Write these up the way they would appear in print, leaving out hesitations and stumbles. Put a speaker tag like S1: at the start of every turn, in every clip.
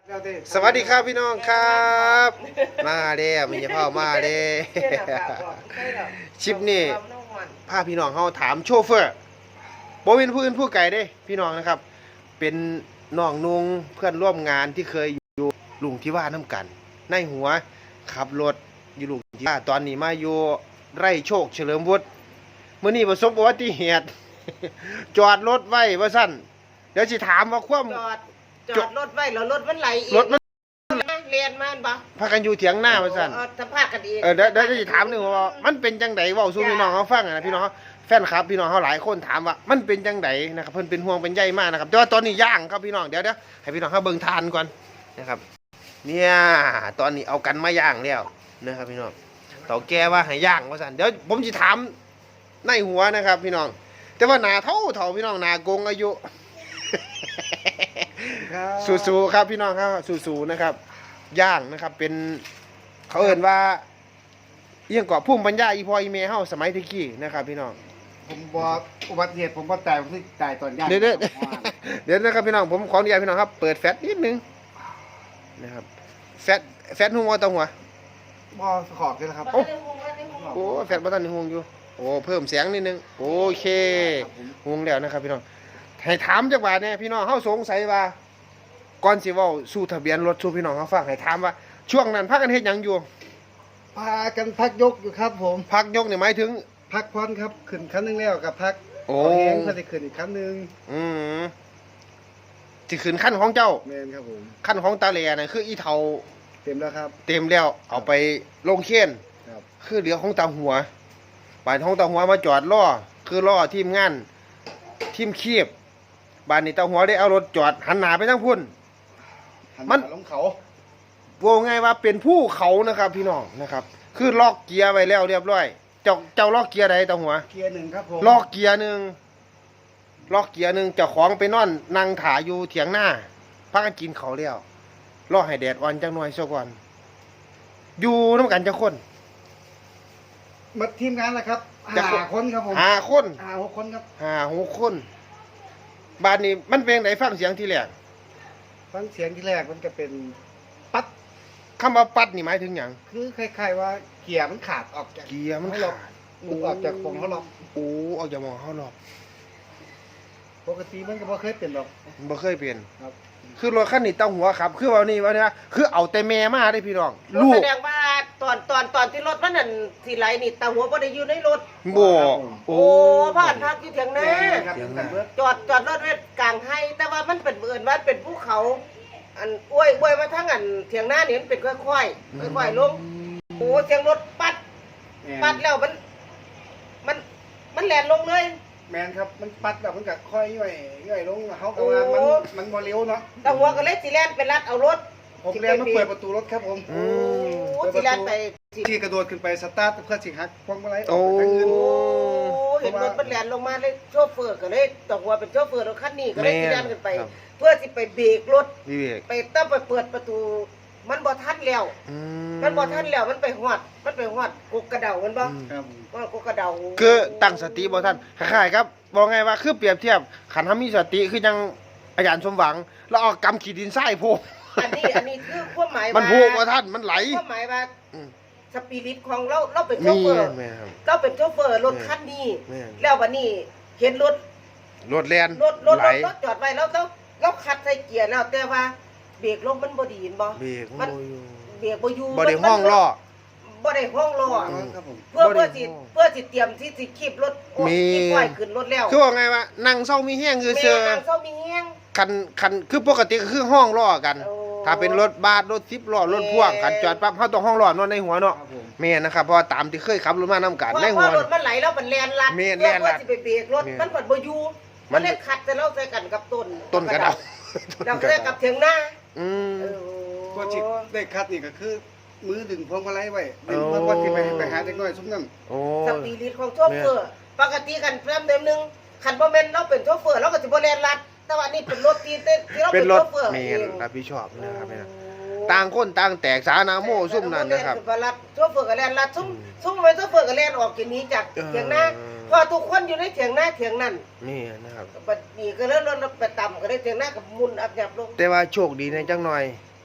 S1: สวัสดีครับพี่น้องครับมาเด้มีพ่อมาเด้ชิปนี่พาพี่น้องเขาถามโชเฟอร์บ่เป็นผู้อื่นผู้ไกลเด้พี่น้องนะครับ เป็นน้องนุงเพื่อนร่วมงานที่เคยอยู่ลุงที่ว่าน้ำกันในหัวขับรถอยู่ลุงที่ว่าตอนนี้มาอยู่ไร่โชคเฉลิมวุฒิเมื่อนี้ประสบอุบัติเหตุ จอดรถไว้ว่าสั้นเดี๋ยวสิถามว่าความ
S2: จอดรถไว้แล้วรถมันไหลอีก
S1: รถมัน
S2: เรียนมันปะ
S1: พากันอยู่เถียงหน้าว่าสั้น
S2: ถ้าพากันอีก
S1: เดี๋ยวจะถามหนึ่งว่ามันเป็นจังไดเว้าสู่พี่น้องเขาฟังนะพี่น้องแฟนคลับพี่น้องเขาหลายคนถามว่ามันเป็นจังไดนะครับเพิ่นเป็นห่วงเป็นใยมากนะครับแต่ว่าตอนนี้ย่างครับพี่น้องเดี๋ยวให้พี่น้องเขาเบิ่งทานก่อนนะครับเนี่ยตอนนี้เอากันมาย่างแล้วนะครับพี่น้องเต่าแก่ว่าให้ย่างว่าซั่นเดี๋ยวผมจะถามในหัวนะครับพี่น้องแต่ว่าหน้าเท่าพี่น้องหน้าโกงอายุสู้ๆครับพี่น้องครับสู้ๆนะครับย่างนะครับเป็นเขาเอ่นว่าเอียงเกาะพุ่มปัญญาอีพออีเมเฮาสมัยตะกี้นะครับพี่น้อง
S3: ผมบอกอุบัติเหตุผมก็ตายผมที่ตายตอนย่าง
S1: เดี๋ยวนะครับพี่น้องผมขออนุญาตพี่น้องครับเปิดแฟลชนิดนึงนะครับแฟลชหัวต่อหัว
S3: บอขอบเลยครับ
S1: โอ้แฟลชบ่ทันห่วงอยู่โอ้เพิ่มเสียงนิดนึงโอเคห่วงแล้วนะครับพี่น้องให้ถามจักว่าเนี่ยพี่น้องเฮาสงสัยว่าก่อนสิเว้าสู่ทะเบียนรถสู่พี่น้องเฮาฟังให้ถามว่าช่วงนั้นพากันเฮ็ดหยังอยู่
S3: พากันพักยกอยู่ครับผม
S1: พักยกนี่หมายถึง
S3: พักพรครับขึ้นขั้นนึงแล้วกับพัก
S1: โอ้
S3: เองเพื่อจะขึ้นอีกขั้นนึง
S1: สิขึ้นขั้นของเจ้า
S3: แมนครับผม
S1: ขั้นของตาแหล่น่ะคืออีเฒ่า
S3: เต็มแล้วครับ
S1: เต็มแล้วเอาไปลงเข็น
S3: ครับ
S1: คือเหลือของตาหัวบ้านของตาหัวมาจอดล่อคือล่อทีมงานทีมคีบบ้านนี้ตาหัวได้เอารถจอดหันหน้าไปทางพุ่น
S3: มันลงเขา
S1: ว่าไงว่าเป็นผู้เขานะครับพี่น้องนะครับคือล็อกเกียร์ไว้แล้วเรียบร้อยเจ้าล็อกเกียร์ใดตาหัว
S3: เกียร์หนึ่งครับผม
S1: ล็อกเกียร์หนึ่งเจ้าของไปนอนนั่งถ่ายอยู่เถียงหน้าพักกันกินเขาแล้วรอให้แดดอ่อนจังหน่อยซะก่อนอยู่น้ำกันจะคน
S3: มาทีมงานละครับ5 คนครับผม
S1: 5 คน
S3: 6 คนครับ
S1: 6 คนบ้านนี้มันเป็นไหนฟังเสียงที่แรก
S3: ฟังเสียงที่แรกมันจะเป็นปัด
S1: คำว่าปัดนี่หมายถึงอย่าง
S3: คือคล้ายๆว่าเกียร์มันขาดออกจาก
S1: เกียร์มันขาด
S3: ออกจากวงเขาล็อก
S1: โอ้ออกจากวงเขาล็อก
S3: ปกติมันก็บ่เคยเป็นหรอก
S1: บ่เคยเป็น
S3: ครับ
S1: คือรถคันนี้ตั้งหัวครับคือว่านี่คือเอาแต่แม่มาได้พี่น้อง
S2: ลูกแสดงว่าตอนที่รถมันนั่นที่ไหลนี่ตาหัวบ่ได้อยู่ในรถ
S1: บ่
S2: โอ้ผ่านพักอยู่เถียงนาจอดรถไว้กลางไห้แต่ว่ามันเป็นเอิ้นว่าเป็นภูเขาอันอวยมาทั้งอันเถียงนานี่มันเป็นค่อยๆลงโอ้เสียงรถปัดแล้วมันแล่นลงเลย
S3: แมนครับมันปัดแบบมันก็ค่อยย่อยลงเขาก็ว่ามันบ่เร็วเนาะ
S2: ตาหัวก็เลยสิแล่นไปรัดเอารถ
S3: ผมแล่นมาเปิดประตูรถครับผม
S2: สิแล่นไป
S3: ที่กระโดดขึ้นไปสตาร์ทเพื่อสิหักพวงมาลัยอ
S1: อก
S3: ไปทางอื่น
S2: เห็นรถมันแล่นลงมาเลยโชเฟอร์ก็เลยตาหัวเป็นโชเฟอร์รถคันนี้ก็เลยสิแล่นขึ้นไปเพื่อสิไปเบรกรถไปต้องไปเปิดประตูมันบ่ทันแล้วมันมันไปหอดกกกระเดามันบ่ว่ากกกระเดา
S1: คือตั้งสติบ่ทันคล้ายๆครับบอกไงว่าคือเปรียบเทียบขันทำมีสติคือยังอาจารย์สมหวังแล้วเอากำขีดดินทรายโพก
S2: อันนี้คือความหมายว่า
S1: มันโพกว่าท่านมันไหล
S2: ความหมายว่าสปิริตของเราเป็นโชเฟอร์เราเป็นโชเฟอร์รถคันนี้แล้ววันนี้เห็นรถ
S1: แล่น
S2: รถจอดไว้แล้วเราคัดใส่เกียร์แล้วแต่ว่าเบรกลมมันบ่ดีนบ่
S1: มัน
S2: เบรกบ่อยู่
S1: บ่ได้ห้องล้อ
S2: เพื่อสิเตรียมที่สิคีบรถที่ปล่อยขึ้นรถแล้ว
S1: คือว่าไงว่านั่งเศร้ามีแห้งคือเสือ
S2: นั่งเศร้ามีแห้ง
S1: คันคือปกติก็คือห้องล้อกันถ้าเป็นรถบัสรถ10 ล้อรถพ่วงกันจอดปั๊บเฮาต้องห้องล้อนอนในหัวเนาะแม่นนะครับเพราะตามที่เคยขับรถมานํกันในหัว
S2: รถมันไหลแล้วมันแล่นลัดเพื่อสิไปเบรกรถมันบ่อยู่มันเลยขัดแต่เราใส่กันกับ
S1: ต้นกระเดา
S2: เราใส่กับเถียงหน้า
S3: ก็จิได้คัดนี่ก็คือมือดึงพวงมาลัยไว้ดึงเพื่อว่าที่ไปหาเด็กน้อยซุ้มนั่น
S2: สปิริตของโชเฟอร์ปกติกันเริ่มเดิมนึงคันบ่แม่นเราเป็นโชเฟอร์เราก็สิบ่แล่นลัดแต่ว่านี่เป็นรถที่เราเป็นโชเฟอร์
S1: แม่นรับผิดชอบนะครับต่างคนต่างแตกสานาโมซุ่มนั่นนะครับ
S2: โชเฟอร์ก็แล่นลัดซุ่มไปโชเฟอร์ก็แล่นออกจากนี้จากเถียงหน้าพอทุกคนอยู่ในเถียงหน้าเถียงนั่น
S1: นี่นะครับ
S2: บัดนี้ก็เริ่มรถไปต่ำก็ได้เถียงหน้ากับมุนอับยับลง
S1: แต่ว่าโชคดีในจังหน่อย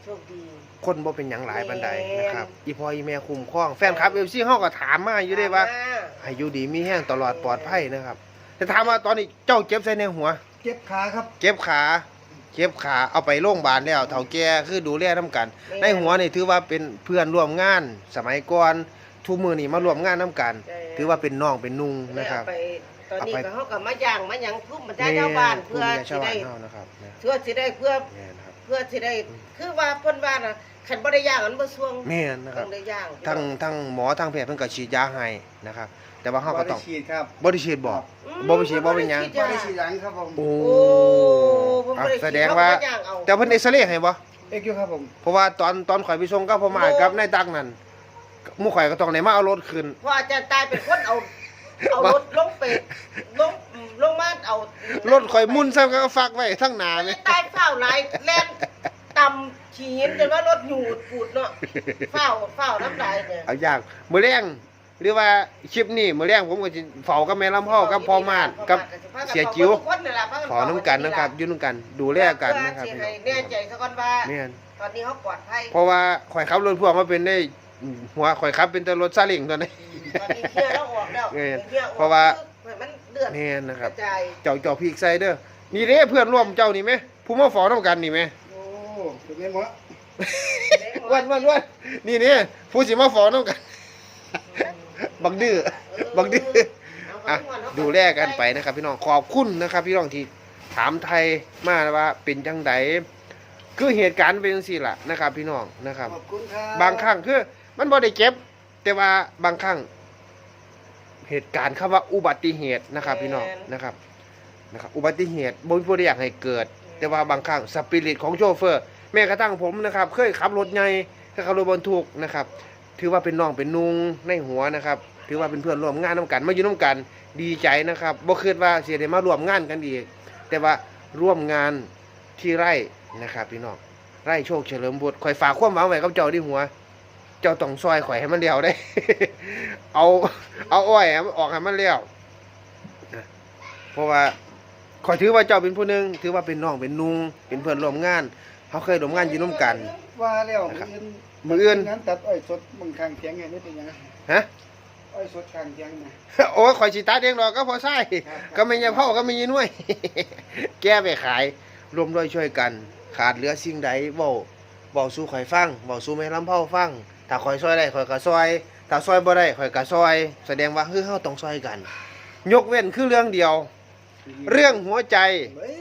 S2: โชคดี
S1: คนบ่เป็นหยังหลายปานใดนะครับอีพ่ออีแม่คุ้มครองแฟนคลับ FC เฮาก็ถามมาอยู่เด้ว่าให้อยู่ดีมีแห้งตลอดปลอดภัยนะครับแต่ถามว่าตอนนี้เจ้าเจ็บใส่ในหัว
S3: เจ็บขาครับ
S1: เจ็บขาเอาไปโรงพยาบาลแล้วเฒ่าแก่คือดูแลนํกัน ในหัวนี่ถือว่าเป็นเพื่อนร่วมงานสมัยก่อนทุกมื้อนี้มาร่วมงานนํกัน ถือว่าเป็นน้องเป็นนุ่งนะครับ
S2: ตอนนี้ก็เฮาก็มาย่างมาหยังทุ่มบรรดาชาวบ้านเพื่อสิได้
S1: เฮานะครับ
S2: เพื่อสิได้เพื่อ
S1: แม่นครับ
S2: เพื่อสิได้คือว่าเพิ่นว่าน่ะคันบ่ได้ย่างมันบ่ช่วง
S1: แม่นนะครับ
S2: ต้องได้ย่าง
S1: ทั้งหมอทั้งแพทย์เพิ่นก็ฉีดยาให้นะครับ แต่ว่าเฮาก็ต้อง
S3: บ่ได้ฉีดครับ
S1: บ่ได้ฉีดบ่บ่ไปฉีดบ่เป็นหยัง
S3: บ่ได้ฉีดหลังครับผม
S1: โอ้
S2: โอ้ผม
S1: อ่ะ
S2: บ่ได้
S1: แสดงว่า
S2: เขก็ย่างเอา
S1: แต่เพิ่นเอ็กซเรย์ให้บ่
S3: เอ็กอยู่ครับผม
S1: เพราะว่าตอนข่อยไปส่งกับพ่อมากับนายตักนั่นหมู่ข่อยก็ต้องได้มาเอารถขึ้น
S2: เพราะอาจารย์ตายเป็นคนเอารถลงไปลงมาเอา
S1: รถข่อยมุ่นซ้ำก็ฟักไว้ทั้งหน้าแม่
S2: ตายเฝ้าหลายแล่นต่ำขีนจนว่ารถหยูดปูดเนาะเฝ้าน้ำลายเนี่ย
S1: เอาอย่างมื้อแรงหรือว่าคลิปนี้มื้อแรงผมก็สิเฝ้ากับแม่ลำพ่อกับพ่อมาดกับเสียจิ๋วขอน้ำกันนะครับอยู่นํกันดูแลกันนะครับ
S2: เพื่อ
S1: พี่
S2: ให้
S1: น้อง
S2: แน่ใจซะก่อนว่า
S1: แม่น
S2: ตอนนี้เขาปลอดภัย
S1: เพราะว่าข่อยขับรถพ่วงมาเป็นได้หัวข่อยขับเป็นแต่รถซาเล้งตอนนี้
S2: ตอนนี้เคลียร์แล้วออกแล้ว
S1: แม่น
S2: คลียออก
S1: เพราะว่า
S2: ให้มันเดือด
S1: แม่นนะครับ
S2: กระจาย
S1: เจ้าพีกใส่เด้อนี่เด้เพื่อนร่วมเจ้านี่ไหมผู้มาฝอน้ำกันนี่ไหม
S3: โอ้เป็นไงหมอ
S1: วันนี่เนี่ยผู้สิมาฝอน้ำกัน บักดื้อบักดื้ออ่ะดูแลกันไปนะครับ พี่น้องขอบคุณนะครับ พี่น้องที่ถามไทยมาว่าเป็นจังไดคือเหตุการณ์เป็นจังซี่ล่ะนะครับ พี่น้องนะครับ
S3: ขอบคุณครับ
S1: บางครั้งคือมันบ่ได้เจ็บ แต่ว่าบางครั้งเหตุการณ์คำว่าอุบัติเหตุนะครับ พี่น้องนะครับอุบัติเหตุบ่มีผู้ใดอยากให้เกิด แต่ว่าบางครั้งสปิริตของโชเฟอร์แม้กระทั่งผมนะครับ เคยขับรถใหญ่เคยขับรถบรรทุกนะครับ ถือว่าเป็นน้องเป็นนุงในหัวนะครับ ถือว่าเป็นเพื่อนร่วมงานน้ำกันมาอยู่น้ำกันดีใจนะครับบ่คิดว่าสิได้มาร่วมงานกันอีกแต่ว่าร่วมงานที่ไร่นะครับ พี่น้องไร่โชคเฉลิมบุตรข่อยฝากความหวังไว้กับเจ้าที่หัว เจ้าต้องซอยข่อยให้มันเลี้ยวได้ เอาอ้อยให้มันออกให้มันเลี้ยวนะเพราะว่าข่อยถือว่าเจ้าเป็นผู้หนึงถือว่าเป็นน้องเป็นนุงเป็นเพื่อนร่วมงานเขาเคยร่วมงานอยู่ร่วมกัน
S3: ว่าแล้ว
S1: มื้ออื่น
S3: งานตัดอ้อยสดบางครั้งเถียงไงนี่เป็นยังไง
S1: ฮะ
S3: อ้อยสดข้างเถียงนะ
S1: โอ้ยข่อยสิตาเองดอกก็พอใช่ก็ไม่ยาเผาก็ไม่ยีนุ่ย แก้ไปขายรวมด้วยช่วยกัน ขาดเหลือสิ่งใดเว้าสู่ข่อยฟังเว้าสู่แม่ลำเผาฟังถ้าข่อยซอยได้ข่อยก็ซอยถ้าซอยบ่ได้ข่อยก็ซอย แสดงว่าเฮาต้องซอยกัน ยกเว้นคือเรื่องเดียว เรื่องหัวใจ
S3: เฮ้ย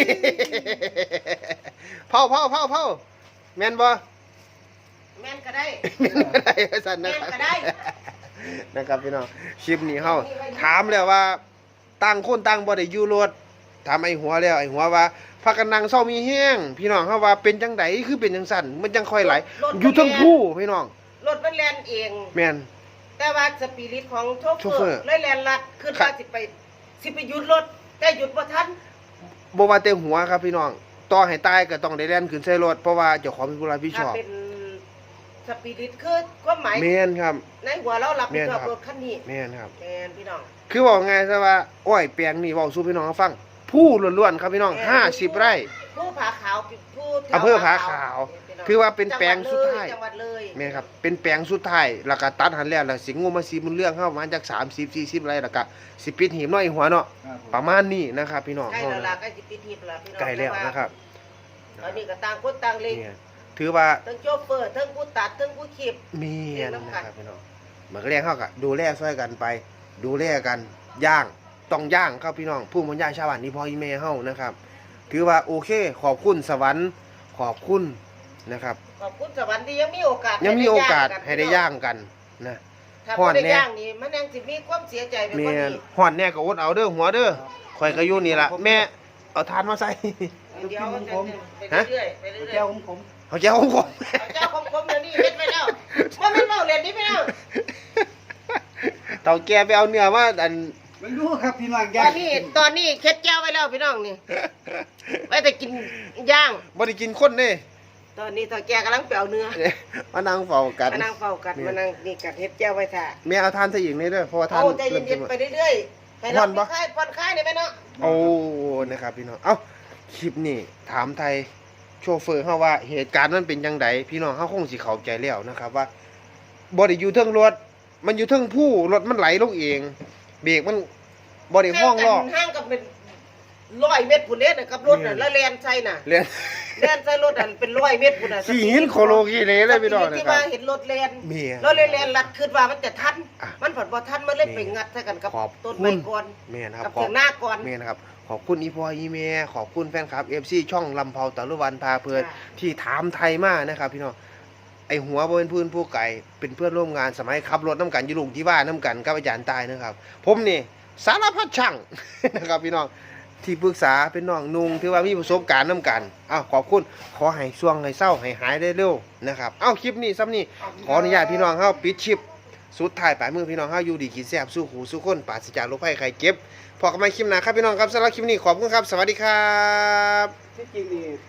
S1: เผาแม่นบ่
S2: แม่นก็ได้
S1: แม่นบ่ได้ว่าซั่นนะค
S2: แม่
S1: รับ
S2: นก็ได้
S1: นะครับพี่น้องคลิปนี้เฮาถามแล้วว่าต่างคนต่างบ่ได้อยู่รถถามไอ้หัวแล้วไอ้หัวว่าพากันนั่งเศร้ามีแห้งพี่น้องเฮาว่าเป็นจังไดคือเป็นจังซั่นมันจังค่อยไหลอยู่ทั้งคู่พี่น้อง
S2: รถมันแล่นเอง
S1: แม่น
S2: แต่ว่าสปิริตของโช
S1: โช
S2: เฟ
S1: เฟ
S2: อ
S1: อร์
S2: ร์เลยแล่นลัดขึ้น
S1: ครั
S2: มา
S1: บ
S2: สิไปหยุดรถแต่หยุดบ่ทัน
S1: บ่ว่าแต่หัวครับพี่น้องต่อให้ตายก็ต้องได้แล่นขึ้นใส่รถเพราะว่าเจ้าของเป็นผู้รับผิดช
S2: ถ้า
S1: อบ
S2: เป็นสปิริตคือความหมาย
S1: แม่นครับ
S2: ในหัวเรารับผิดชอบ
S1: แม่นครับ
S2: รถคันนี้
S1: แม่นครับ
S2: แม่นพี่น้อง
S1: คือบอกไงซะว่าอ้อยแปลงนี่เว้าสู่พี่น้องฟังผู้ล้วนๆครับพี่น้อง50 ไร่
S2: ผู้ผาขาวผู้แถว
S1: อำเภอผาขาว
S2: พี่น้ง
S1: คือว่าเป็นแปลงสุดท้าย
S2: จังหวัดเลย
S1: แม่นครับเป็นแปลงสุดท้ายแล้วก็ตัดหันแล้วแล้วสิงูมาซีมุนเรื่องเข้ามาจาก30 40 ไร่แล้วก็สิปิดหีบน้อยหัวเนาะ
S3: ครับผม
S1: ประมาณนี้นะครับพี่น้อง
S2: ใกล้
S1: เฮา
S2: แล้ว
S1: นะ
S2: ล่ะใกล้สิปิดหีบแล้วพี่น้อง
S1: ใกล้แล้วนะครับ
S2: ตอนนี้ก็ต่างคนต่างเล็ง
S1: เนี่ยถือว่า
S2: ทั้งโชเฟอร์ทั้งผู้ตัดทั้งผู้ขีบ
S1: มีอัน
S2: เรียนน้ำกั
S1: นะ
S2: น
S1: ครับพี่น้องมันก็เรียกเขาก็ดูแลช่วยกันไป ดูแลกันย่างต้องย่างครับพี่น้องผู้มันย่างชาวบ้านนี่พ่ออีแม่เฮานะครับ ถือว่าโอเคขอบคุณสวรรค์ขอบคุณนะครับ
S2: ขอบคุณสวรรค์ที่ยังมีโอกาส
S1: ยังมีโอกาสให้ได้
S2: พี่น้
S1: ย่างกันนะ
S2: ถ้า
S1: ฮ้
S2: บ่
S1: อน
S2: ได้
S1: แน่
S2: ย่างนี่มันยังสิมีความเสียใจไปก
S1: แม่
S2: ว่านี้
S1: ฮ้อนแน่ก็อดเอาเด้อหัวเด้อข่อยก็อยู่นี่ล่ะแม่เอาทานมาใส่
S2: เดี๋ยวมันจะไป
S1: ฮะ
S2: เรื่อยๆไปเรื่อยๆ
S3: แก้วผม
S1: เอาแก้วของผม
S2: เอาเจ้าคมๆเดี๋ยวนี้เฮ็ดไปแล้วว่ามันเว้าเล่นนี่พี่น้อง
S1: เต่าแกไปเอาเนื้อมาอัน
S3: ไม่รู้ครับพี่น้อง
S2: ต
S3: ย่า
S2: อง นนี้เค็ดแก้วไว้แล้วพี่น้องนี่ไว้แต่กินย่าง
S1: บ่ได้กินคนเด้
S2: ตอนนี้ตอแกกำลังไปเอาเนื้อ
S1: มานั่งเฝ้ากัน
S2: มานั่งเฝ้ากันมานั่งนี่กัดเฮ็ดแก้วไว้ท่า
S1: แม่เอาทานใส่อีกนี่เด้อเพราะว่าทาน
S2: เอาใจ
S1: เริ่ม
S2: เย็
S1: จะ
S2: น
S1: หม
S2: ๆ
S1: ด
S2: ไปเรื่อยๆให้เรา
S1: ผ่อนปะ
S2: ผ่อนคลายนี่แม่เนาะ
S1: โอ้นะครับพี่น้องเอ้าคลิปนี้ถามไทยโชเฟอร์เฮาว่าเหตุการณ์มันเป็นจังไดพี่น้องเฮาคงสิเข้าใจแล้วนะครับว่าบ่ได้อยู่เทิงรถมันอยู่เทิงผู้รถมันไหลลงเองเบรกมันบ่ได้ห้องล้อ
S2: ห่างกันเป็น100 เมตรพุ่นเด้นะครับรถน่ะแล้วแล่นใส่น่ะ
S1: เรียน
S2: แล่นใส่รถอันเป็น100 เมตรพุ่นน่ะ
S1: ขี่หินโคโลกีเลยเลยพี่น้องนะ
S2: ที่
S1: ครั
S2: ว่า
S1: บ
S2: เห็นรถแล่น
S1: เมีย
S2: รถแล่นลัดขึ้นว่ามันจะทัน
S1: อ่ะ
S2: มันผัดบ่ทันมันเลยไปงัดใส่กันกับ
S1: ขอบ
S2: ต้น
S1: คุ
S2: ไม้
S1: ณ
S2: ก่อน
S1: แม่นะครับ
S2: กับ
S1: ขอ
S2: เถี
S1: บ
S2: ยงหน้าก่อน
S1: แม่นะครับขอบคุณอีพ่ออีแม่ขอบคุณแฟนคลับ FC ช่องลำเผาตะลุวันพาเพลิน
S2: ค่ะ
S1: ที่ถามไทยมานะครับพี่น้องไอหัวบ่เป็นพื้นผู้ไก่เป็นเพื่อนร่วมงานสมัยขับรถน้ำกันอยู่ลุงที่ว่าน้ำกันกับอาจารย์ตายนะครับ ผมนี่สารพัดช่าง นะครับพี่น้องที่ปรึกษาเป็นน้องนุงถือว่ามีประสบการณ์น้ำกันอ้าวขอบคุณขอให้ช่วงให้เศร้าให้หายได้เร็วนะครับเอ้าคลิปนี้ซ้ำนี่ขออนุญาตพี่น้องเฮาปิดคลิปสุดท้ายปลายมือพี่น้องเฮาอยู่ดีกินแซ่บสู้หูสู้คนปราศจากโรคภัยไข้เจ็บพอกันใหม่คลิปหน้าครับพี่น้องครับสำหรับคลิปนี้ขอบคุณครับสวัสดีครับ
S3: ที่จริงนี่